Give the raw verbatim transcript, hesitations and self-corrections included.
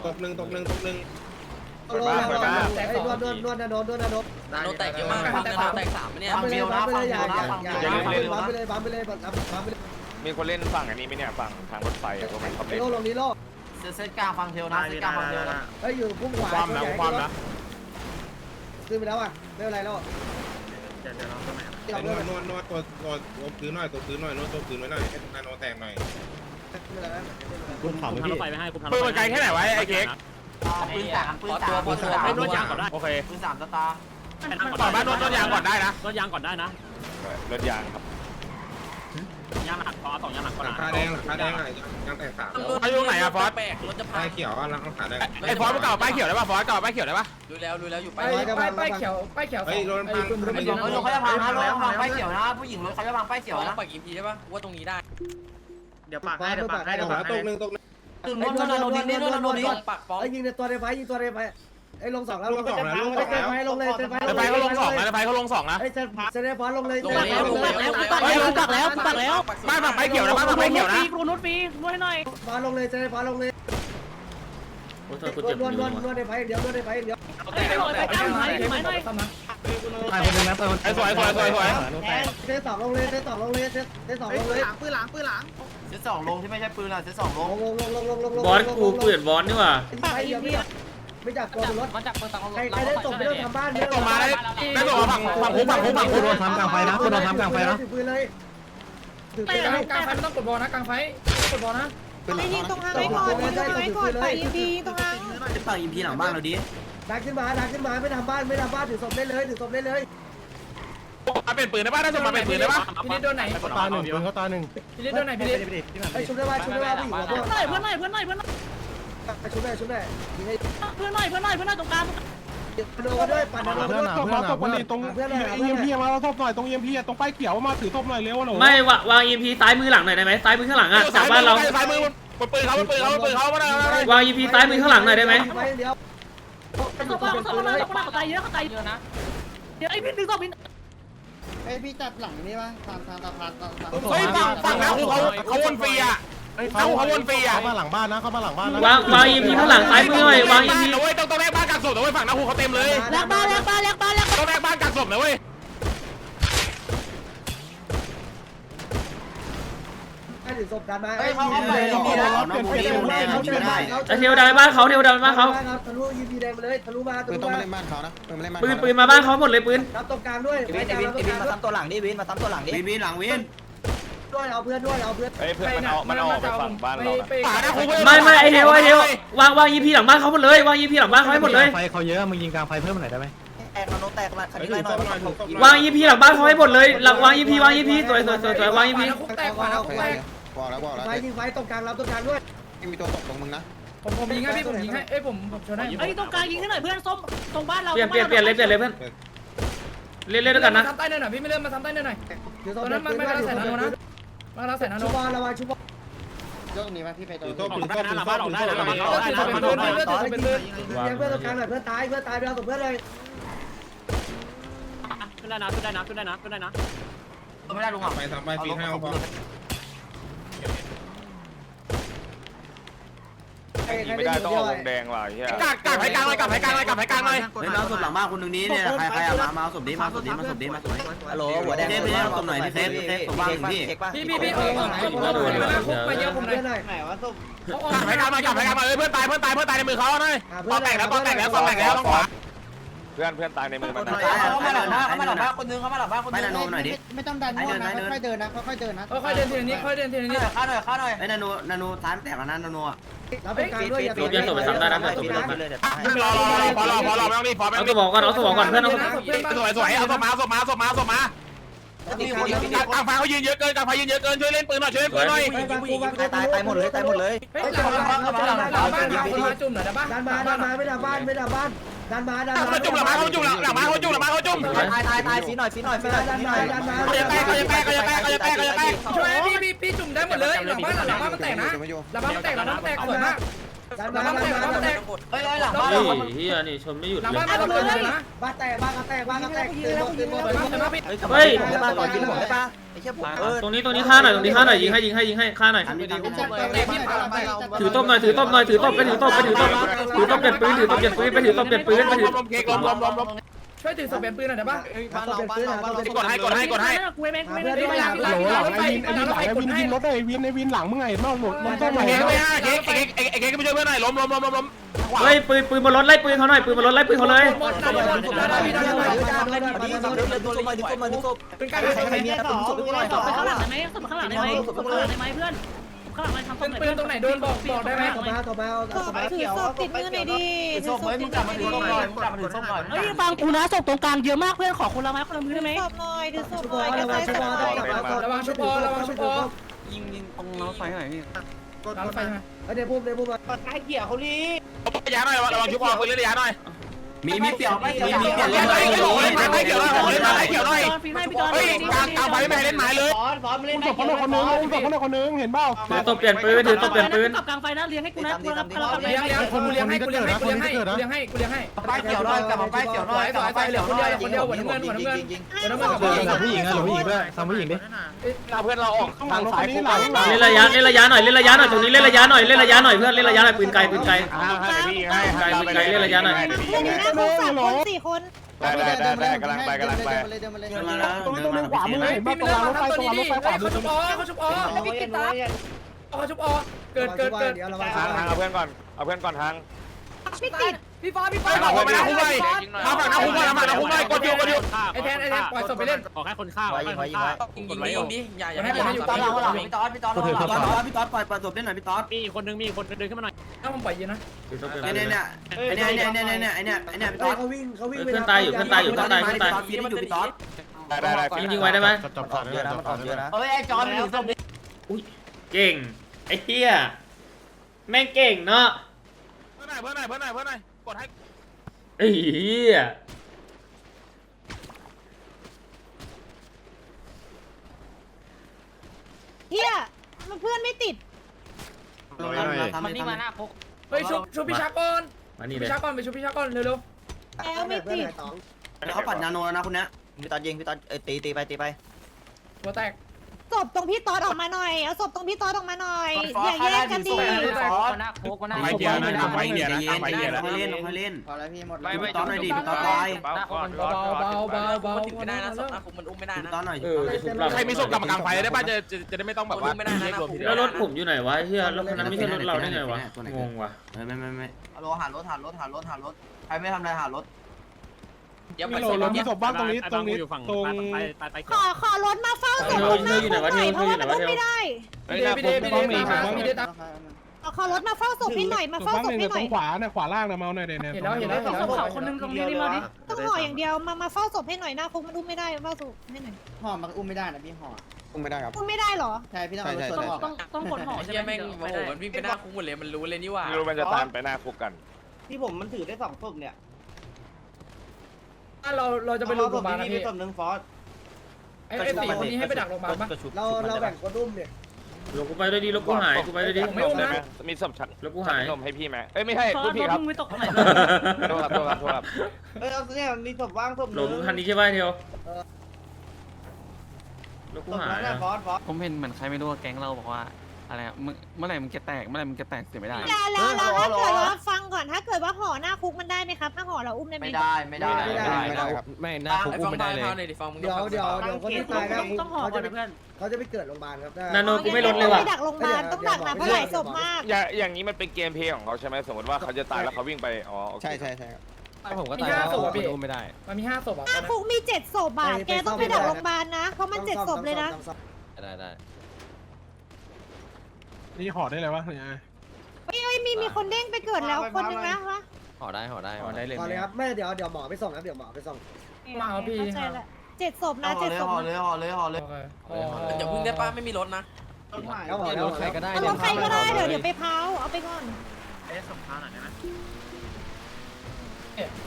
ตกหนึ่งตกหนึ่งตกหนึ่งโดนโดนโดนโดนโดนโดนโดนโดนโดนแตกเยอะมากฟังในแตกสามเนี่ยบัมไปเลยบัมไปเลยอย่าอย่าอย่าบัมไปเลยบัมไปเลยบัมบัมไปเลยมีคนเล่นฝั่งอันนี้ไหมเนี่ยฝั่งทางรถไฟพวกมันเขาเล่นโลลงนี้โลเซตกลางฟังเทลนะเซตกลางฟังเทลนะเฮ้ยอยู่พุ่งขวาความนะความนะขึ้นไปแล้วอ่ะไม่เป็นไรแล้วไอ้นวดนวดนวดตัวตัวตัวพื้นหน่อยตัวพื้นหน่อยนวดตัวพื้นไว้หน่อยให้นาโนแตกหน่อยคุณถามรถไฟไปให้คุณทำปืนมันไกลแค่ไหนวะไอ้เค้กปืนสามปืนสามปืนสามให้รถยางก่อนได้โอเคปืนสามสตาร์ต่อบ้านรถรถยางก่อนได้นะรถยางก่อนได้นะรถยางครับยางหักคอสองยางหักคอหลังคาแดงหลังคาแดงอะไรยังแตกสามเขาอยู่ไหนอะฟอสแปลกรถจะพัป้าง ยเขียวอ่ะหลังคาแดงไอ้ฟอสมันเก่าป้ายเขียวได้ป่ะฟอสเก่าป้ายเขียวได้ป่ะรู้แล้วรู้แล้วอยู่ไปไปไปเขียวป้ายเขียวเฮ้ยรถพังรถเขาจะพังนะรถพังป้ายเขียวนะผู้หญิงรถเขาจะพังป้ายเขียวต้อนะงปักอีพีใช่ปะว่าตรงนี้ได้เดี๋ยวปากให้เดี๋ยวปากให้ตเดี๋ยวกปากตกหนึ่งตกหนึ่งตึงโดนโดนดินโดนโดนดินปักฟ้องไอ้ยิงในตัวในไฟยิงตัวในไฟไอ้ลงสองแล้วลูกสองแล้วลูกสองเซนแล้วไฟลงเลยเซนไฟไอ้ไฟเขาลงสองนะไอ้ไฟเขาลงสองนะไอ้เซนเซนไฟลงเลยลงแล้วลงแล้วกูปักแล้วกูปักแล้วกูปักแล้วบ้านฝั่งป้ายเขียวนะบ้านฝั่งป้ายเขียวนะกูนุชฟรีนวดให้หน่อยฟ้าลงเลยเซนไฟลงเลยนวดนวดนวดในไฟเดียวนวดในไฟเดียวไปหน่อยไปก้าวหน่อยหน่อยหน่อยไอ้คนนึงนะไอ้สวยสวยสวยสวยเซนสองลงเลยเซนสองลงเลยเซนเซนสองลงเลยปืนหลังปืนหลังเซตสองลงที่ไม่ใช่ปืนอ่ะเซตสองลลงงลงลงลงลงลงบอสกูเปลี่ยนบอสนี่หว่าไปเดียวไม่จับไม่จับตัวรถมันจับปืนตังใครใครได้ตกไม่ต้องทำบ้านไม่ส่งมาได้ได้ส่งมาฝั่งฝั่งคุกฝั่งคุกฝั่งคุกทำกลางไฟนะคุณทำกลางไฟนะถือปืนเลยถือปืนเลยกลางไฟไม่ต้องกดบอลนะกลางไฟกดบอลนะไอ้ยิงตรงทางไว้ก่อนยิงตรงทางไว้ก่อนไปยิงดีตรงทางจะต่อยอิมพีหลังบ้านเราดิดักขึ้นมาดักขึ้นมาไม่ทำบ้านไม่ทำบ้านถือศพได้เลยถือศพได้เลยมาเป็นปืนได้ป่ะได้ส่งมาเป็นปืนได้ป่ะพี่นิดโดนไหนตาหนึ่งปืนเขาตาหนึ่งพี่นิดโดนไหนพี่นิดไอ้ชุบได้ว่าชุบได้ว่าผู้หญิงหัวพวกเพื่อนหน่อยเพื่อนหน่อยเพื่อนหน่อยเพื่อนหน่อยชุบได้ชุบได้ยิงให้เพื่อนหน่อยเพื่อนหน่อยเพื่อนหน่อยตรงกลางโดนด้วยปั่นโดนด้วยตรงตรงตรงเพื่อนเลยเอ็มพีมาเราทบหน่อยตรงเอ็มพีตรงป้ายเขียวมาถือทบหน่อยเร็วหนูไม่วาวางอีพีซ้ายมือหลังหน่อยได้ไหมซ้ายมือข้างหลังอ่ะจากบ้านเราซ้ายมือบนปืนเขาบนปืนเขาบนปืนเขาไม่ได้วางอีพีซ้ายมือข้างหลังหน่อยได้ไหมไปเดียวเขาบ้าเขาบ้าเขาบ้าเขาตายเยอะเขาตายเยอะนะเดี๋ยวไอ้พี่ดึงต่อพี่ไอพี่จับหลังนี่ปะทางทางตะพานตะพานเฮ้ยฝั่งฝั่งนะเขาเขาวนฟรีอ่ะเขาเขาวนฟรีอ่ะเข้ามาหลังบ้านนะเข้ามาหลังบ้านนะวางวางอีพีข้างหลังซ้ายมือหน่อยวางอีพีนะเว้ยต้องต้องแลกบ้านกักศพนะเว้ยฝั่งนะฮูเขาเต็มเลยแลกบ้านแลกบ้านแลกบ้านแลกต้องแลกบ้านกักศพนะเว้ยให้ถือศพกันมาเฮ้ยเขาเข้าไปยิงดีนะน้องโมดี้โมแดงยิงไม่ได้ไอเทวดาไปบ้านเขาเทวดาไปบ้านเขาทะลุยิงดีแดงไปเลยทะลุมาทะลุมาปืนปืนมาบ้านเขาหมดเลยปืนรับตรงกลางด้วยวินวินวินมาซ้ำตัวหลังดิวินมาซ้ำตัวหลังดิวินวินหลังวินด้วยเอาเพื่อนด้วยเอาเพื่อนเฮ้ยเพื่อนมันเอามันเอาไปฝั่งบ้านเราป่านะฮูไม่ไม่ไอเทวไอเทววางวางอีพีหลังบ้านเขาหมดเลยวางอีพีหลังบ้านเขาให้หมดเลยไฟเขาเยอะมึงยิงกลางไฟเพิ่มหน่อยได้ไหมแตกนาโนแตกละคันนี้ไล่หน่อยวางอีพีหลังบ้านเขาให้หมดเลยหลังวางอีพีวางอีพีสวยสวยสวยสวยวางอีพีคุกแตกขวาคุกแตกบอกแล้วบอกแล้วไฟยิงไฟตรงกลางรับตรงกลางด้วยมีตัวตกลงมึงนะผมผมยิงให้พี่ผมยิงให้เอ้ยผมผมชนให้ไอ้ตรงกลางยิงให้หน่อยเพื่อนส้มตรงบ้านเราเปลี่ยนเปลี่ยนเปลี่ยนเลยเปลี่ยนเลยเพื่อนเล่นเล่นด้วยกันนะทำใต้เนินหน่อยพี่ไม่เริ่มมาทำใต้เนินหน่อยถือศตพอนนั้นมันไม่ได้ใส่นาโนนะมาเราใส่นาโนชุบอลระวังชุบอลยกนี้มาพี่ไปโดถืนอโต๊ะถือโต๊ะถือโต๊ะถือโต๊ะเลือดเป็นเลือดเลือดเป็นเลือดเพื่อนตรงกลางหน่อยเพื่อนตายเพื่อนตายไปเอาศพเพื่อนเลยขึ้นได้นะขึ้นได้นะขึ้นได้นะขึ้นได้นะไม่ได้ลุงอ่ะไปทำไปฟีห้าพอใครใครไม่ได้ได้อต้องยู่เอาเดียววงแดงว่ะเฮียกักกักให้กลางเลยกักให้กลางเลยกักให้กลางเลยเล่นเอาศพหลังบ้านคนนึงนี้เนี่ยใครใครอ่ะมามาเอาศพดิมาศพดิมาศพดิมาศพดิฮัลโหลหัวแดงพี่เอาศพหน่อยพี่เซฟเซฟศพบ้างพี่พี่พี่พี่เออผมผมผมมาคุกมาเยอะผมเพื่อนหน่อยไหนวะส้มกักให้กลางมากักให้กลางมาเพื่อนตายเพื่อนตายเพื่อนตายในมือเขาหน่อยปอแตกแล้วปอแตกแล้วปอแตกแล้วต้องขวาเพื่อนเพื่อนตายในมือมันนะเขามาหลังบ้านเขามาหลังบ้านคนนึงเขามาหลังบ้านคนนึงไม่นาโนหน่อยดิไม่ต้องดันมั่วนะค่อยๆเดินนะค่อยๆเดินนะค่อยเดินทีละนิดค่อยเดินทีละนิดข้าหน่อยข้าหน่อยไอ้นาโนนาโนซ้ายแตกแล้วนะนาโนอ่ะรับตรงกลางด้วยอย่ารูปยังส่งไปซ้ำได้นะส่งไปซ้ำเลยเดี๋ยวรอรอรอพอรอพอรอไม่ต้องรีบพอไม่เอาต้องสรีบมองก่อนเอาสมองก่อนเพื่อนเอาสวยสวยเอาศพมาศพมาศพมาศพมากลางไฟเขายืนเยอะเกินกลางไฟยืนเยอะเกินช่วยเล่นปืนหน่อยช่วยเล่นปืนหน่อยตายตายหมดเลยตายหมดเลยเฮ้ยหลังบ้านหลังบ้านหลังบ้านมาจุ่มหน่อยนะบ้านดันมาดันมาไม่ดันบ้านไม่ดันบ้านดันมาดันมาเขาจุ่มหลังมาเขาจุ่มหลังมาเขาจุ่มหลังมาเขาจุ่มตายตายตายฟีหน่อยฟีหน่อยฟีหน่อยดันมาดันมาเขาจะแตกเขาจะแตกเขาจะแตกเขาจะแตกเขาจะแตกช่วยพี่พี่พี่จุ่มได้หมดเลยหลังบ้านหลังบ้านมันแตกนะหลังบ้านมันแตกหลังบ้านมันแตกสวยมากหลังบ้านแตกหลังบ้านแตกเฮ้ยหลังบ้านเฮ้ยเฮียนี่ชนไม่หยุดหลังเลยบ้านเราเกิดเลยนะบ้านแตกบ้านแตกบ้านแตกตื่นหมดตื่นหมดเปิดมาเปิดมาพี่เฮ้ยได้ป่ะก่อนกินผมได้ป่ะไอ้เชี่ยผมเออตรงนี้ตรงนี้ฆ่าหน่อยตรงนี้ฆ่าหน่อยยิงให้ยิงให้ยิงให้ฆ่าหน่อยถือต้มหน่อยถือต้มหน่อยถือต้มไปถือต้มไปถือต้มถือต้มเปลี่ยนปืนถือต้มเปลี่ยนปืนไปถือต้มเปลี่ยนปืนไปถือลมเค้กลมลมลมลมช่วยถือสเปนปืนหน่อยได้ป่ะบ้านเราบ้านเราบ้านเรากดให้กดให้กดให้กูไม่กูไม่ไม่ได้หลังหลังหลังไฟหลังไฟกดให้รถไอ้วินไอ้วินหลังมึงไงนอกหมดมันต้องเค้กไม่ห้าเค้กเค้กเค้กก็ไม่ช่วยเพื่อนหน่อยล้มล้มล้มล้มล้มเฮ้ยปืนปืนบนรถไล่ปืนเขาหน่อยปืนบนรถไล่ปืนเขาเลยหมดได้หมดได้ได้ได้เป็นการใครมีอะไรผมสุดไปก่อนศพไปข้างหลังได้ไหมศพข้างหลังได้ไหมศพข้างหลังได้ไหมเพื่อนข้างหลังมันทำเป็นปืนตรงไหนโดนบอกบอกได้ไหมต่อมาต่อมาต่อมาถือศพติดมือหน่อยดิถือศพติดมือหน่อยดิเฮ้ยฟังกูนะศพตรงกลางเยอะมากเพื่อนขอคนละไม้คนละมือได้ไหมศพหน่อยถือศพชุบหน่อยกระระวัจาง ยชุศบพหน่อยระวังชุบพอระวังชุบพอยิงยิงตรงรถไฟหน่อยพี่หลังไฟมาเดี๋ยวพูดเดี๋ยวพูดมาใกล้เกี่ยวเขาลีระยะหน่อยระวังชุบออกปืนระยะหน่อยมีมีเปี่ยวมีมีเปี่ยวเกี่ยวหน่อยเกี่ยวหน่อยเกี่ยวหน่อยเกี่ยวหน่อยฟินให้พี่จอนเฮ้ยกลางกลางไฟไม่ให้เล่นหมายเลยฟอนฟอนเล่นศพคนคนนึงศพคนคนนึงเห็นเปล่าถือต้มเปลี่ยนปืนถือต้มเปลี่ยนปืนกับกลางไฟนะเลี้ยงให้กูนะกูรับกำลังเลี้ยงเลี้ยงกูเลี้ยงให้กูเลี้ยงให้กูเลี้ยงให้กูเลี้ยงให้กูเลี้ยงให้ป้ายเกี่ยวน้อยกลับมาป้ายเกี่ยวน้อยสวยสวยเหลือคนเดียวคนเดียวหัวน้ำเงินหัวน้ำเงินหัวน้ำเงินกับผู้หญิงผู้หญิงนะหรือผู้หญิงด้วยทำผู้หญิงดิเพื่อนเราออกหลังรถคันนี้หลังหลังเล่นระยะเล่นระยะหน่อยเล่นระยะหน่อยตรงนี้เล่นระยะหน่อยเล่นระยะหน่อยเพื่อนเล่นระยะหน่อยปืนไกลปืนไกลเล่นนะพวกสามคนสี่คนได้ได้ได้ได้กำลังไปกำลังไปเดินมาเลยเดินมาแล้วตรงนี้ตรงนี้ขวามือพี่เห็นไม่ป่ะตรงเล่นรางรถไฟมาตรงทำตัวรางรนี้ถไฟขวามือเขาชุบอ๋อเขาชุบอ๋อพี่กิตตาเขาชุบอ๋อเกิดเกิดเกิดเดี๋ยวระวังทางทางเอาเพื่อนก่อนเอาเพื่อนก่อนทางไม่ติดพี่ฟ้าพี่ฟ้าเอาไปนะคุ้มไปมาฝั่งนะคุ้มไปมาฝั่งนะคุ้มไปกดอยู่กดอยู่ไอแทนไอแทนปล่อยศพไปเล่นยิงยิงยิงดิอย่าอย่าให้พี่ยิงตอนหลังหลังพี่ตอนพี่ตอนหลังพี่ตอนพี่ตอนปล่อยปล่อยศพเล่นหน่อยพี่ตอนมีคนนึงมีคนเดินขึ้นมาหน่อยถ้าผมปล่อยยืนนะถือต้มเปลี่ยนเนี่ยปืนเนี่ยเนี่ยเนี่ยเนี่ยเนี่ยเนี่ยไอเนี่ยไอเนี่ยพี่ตอนเขาวิ่งเขาวิ่งพี่ตอนพี่ตอนพี่ตอนได้ได้ยิงยิงไว้ได้ไหมจับจับเยอะนะมันตอบเยอะนะเฮ้ยไอ้จอนอยู่ศพเก่งไอ้เหี้ยแม่งเก่งเนาะเพื่อนหน่อยเพื่อนหน่อยเพื่อนหน่อยเพื่อนหน่อยกดให้ไอ้เหี้ยเฮียมันเพื่อนไม่ติดมันนี่มาหน้าพกเฮ้ยชุบชุบพี่ชักก่อนมานี่เลพี่ยชักก่อนไปชุบพี่ชักก่อนเร็วแล้วไม่ติดเขาปัดนาโนแล้วนะคุณเนี้ยพี่ตอนยิงพี่ตอนตีตีไปตีไปๆหัวแตกศพตรงพี่ตอดออกมาหน่อยเอาศพตรงพี่ตอดออกมาหน่อยอย่าแยกกันดิหน้าพกหน้าไฟเดียวนะไฟเดียวนะไฟเดียวนะค่อยเล่นค่อยเล่นพอแล้วพี่หมดพี่ตอนหน่อยดิพี่ตอนไปหน้าพกมันเบาเบาเบาเบาถึงไม่ได้นะศพหน้าพกมันอุ้มไม่ได้พี่นะตอนหน่อยเออชุบเราใครมีศพกลับมากลางไฟได้ป่ะจะจะจะได้ไม่ต้องแบบว่ารวมทีเดียแล้ววรถผมอยู่ไหนวะเฮียรถคันนั้นไม่ใช่รถเราได้ไงวะงงว่ะไม่ไม่ไม่ไม่ฮัลโหลหารถหารถหารถหารถใครไม่ทำอะไรหารถเดี๋ยวมีไปโหลศพมีศพบ้างตรงนี้ตรงนี้ตรงขอขอรถมาเฝ้าศพตรงหน้าคุกหน่อยเพราะว่ามันอุ้มไม่ได้พี่เดพี่เดพี่เดพี่เดพี่เดตามขอรถมาเฝ้าศพพี่หน่อยมาศพเฝ้าบ้างศพเนี่ยพี่หตน่รอยงขวาเนี่ยขวาล่างนะเมาหน่อยเนี่ยเห็นแล้วเห็นแล้วเห็นแล้วศพเขาคนนึงตรงนี้นี่มาดิต้องห่ออย่างเดียวมามาเฝ้าศพให้หน่อยหน้าคุกมันอุ้มไม่ได้เฝ้าศพให้หน่อยห่อมันอุ้มไม่ได้นะพี่ห่ออุ้มไม่ได้ครับอุ้มไม่ได้หรอใช่พี่ต้องเอารถต้องออกต้องต้องกดห่อไอ้ใช่เหี้ยไหมแม่งโอ้โหมันวิ่งไปหน้าคุกหมดเลยมันรู้เลยนี่ว่าไม่รู้มันจะตามไปหน้าคุกกันที่ผมมันถือได้สองศพเนี่ยถ้าเราเราจะไปโรงพยาบาลนะพี่ศพหนึ่งฟอสไอ้ไอ้สี่คนนี้ให้ไปดักโรงพยาบาลปะเราเราแบ่งคนอุ้มเนี่ยรถกูไปด้วยดิรถกูหายกูไปด้วยดิผมไม่อุ้มนะมีศพชัดรถกูหายนมให้พี่ไหมเอ้ยไม่ใช่ฟอพูสดผิดครับมึงไม่ตกไหนโทษครับโทษครับโทษครับเออเอาเนี่ยมีศพว่างศพรถมึงคันนี้ใช่ป่ะเทียวรถกูศพหายนั้นน่ะฟอสฟอสผมเห็นเหมือนใครไม่รู้แก๊งเราบอกว่าอะไรเมื่อไหร่มันจะแตกเมื่อไหร่มันจะแตกเสียไม่ได้แล้วแล้วถ้าเกิดว่าฟังก่อนถ้าเกิดว่าห่อหน้าคุกมันได้ไหมครับถ้าห่อเราอุ้มได้ไหมไม่ได้ไม่ได้ไม่ได้ไม่ได้ไม่หน้าคุกอุ้มไม่ได้เลยเดี๋ยวเดี๋ยวเดี๋ยวคนที่ตายแล้วต้องห่อเขาก่อจะนนะเพื่อนเขาจะไปเกิดโรงพยาบาลครับนาโนกูไม่ลดเลยว่ะไปดักโรงพยาบาลต้องดักนะเพราะหลายศพมากอย่างอย่างนี้มันเป็นเกมเพลย์ของเขาใช่ไหมสมมติว่าเขาจะตายแล้วเขาวิ่งไปอ๋อใช่ใช่ใช่ครับผมก็มีตายห้าแล้วศพอ่ะพี่อุ้มไม่ได้มันมีห้าศพอ่ะหน้าคุกมีเจ็ดศพอ่ะแกต้องไปดักโรงพยาบาลนะเพราะมันเจ็ดศพเลยนะได้ได้นี่ห่อได้เลยวะเนี่ยเฮ้ยมีมีคนเด้งไปเกิดแล้วคนนึงนะวะห่อได้ห่อได้ห่อได้เลยพอเลยครับแม่เดี๋ยวเดี๋ยวหมอไปส่งครับเดี๋ยวหมอไปส่งมาเอาพี่เข้าใจละเจ็ดศพนะเจ็ดศพห่อเลยห่อเลยห่อเลยอย่าพึ่งได้ป้าไม่มีรถนะแล้วหมอแล้วใครก็ได้เอารถใครก็ได้เดี๋ยวเดี๋ยวไปเผาเอาไปก่อน